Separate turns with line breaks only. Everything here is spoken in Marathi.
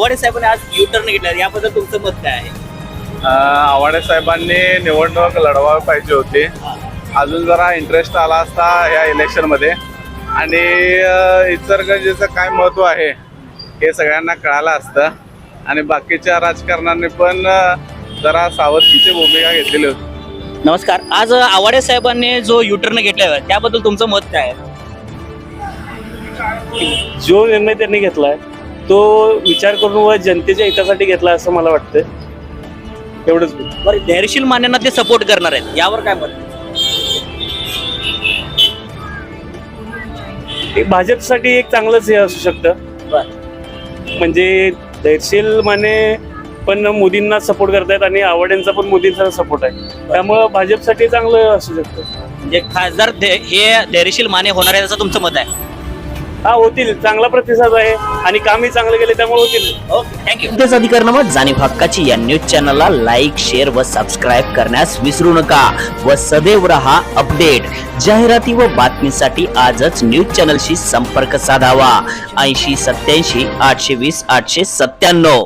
आव्हाडे साहेबांनी आज U-टर्न घेतला, याबद्दल तुमचं मत काय आहे?
आव्हाडे साहेबांनी निवडणूक लढवावी पाहिजे होती. अजून जरा इंटरेस्ट आला असता या इलेक्शन मध्ये आणि इचलकरंजीचं काय महत्व आहे हे सगळ्यांना कळालं असतं आणि बाकीच्या राजकारण्यांनी पण जरा सावधकीची भूमिका घेतलेली होती.
नमस्कार. आज आव्हाडे साहेबांनी जो U-टर्न घेतला त्याबद्दल तुमचं मत काय आहे?
जो निर्णय त्यांनी घेतलाय तो विचार करून व जनतेच्या हितासाठी घेतला असं मला वाटतं. एवढंच.
बरं, धैर्यशील मान्यांना ते सपोर्ट करणार आहेत, यावर काय मत?
एक भाजपसाठी एक चांगलंच हे असू शकतं. म्हणजे धैर्यशील माने पण मोदींना सपोर्ट करतायत आणि आव्हाडेंचा पण मोदींचा सपोर्ट आहे, त्यामुळं भाजपसाठी चांगलं असू शकतं.
म्हणजे खासदार हे धैर्यशील माने होणार आहे असं तुमचं मत आहे?
हा, होतील. चांगला प्रतिसाद आहे आणि कामही चांगलं केले त्यामुळे होतील.
Okay, thank you. तेच अधिकारनामा जाणीव हक्काची या न्यूज चॅनलला लाईक, शेअर व सबस्क्राईब करण्यास विसरू नका व सदैव रहा अपडेट. जाहिराती व बातमीसाठी आजच न्यूज चॅनलशी संपर्क साधावा. 80 87 820 897.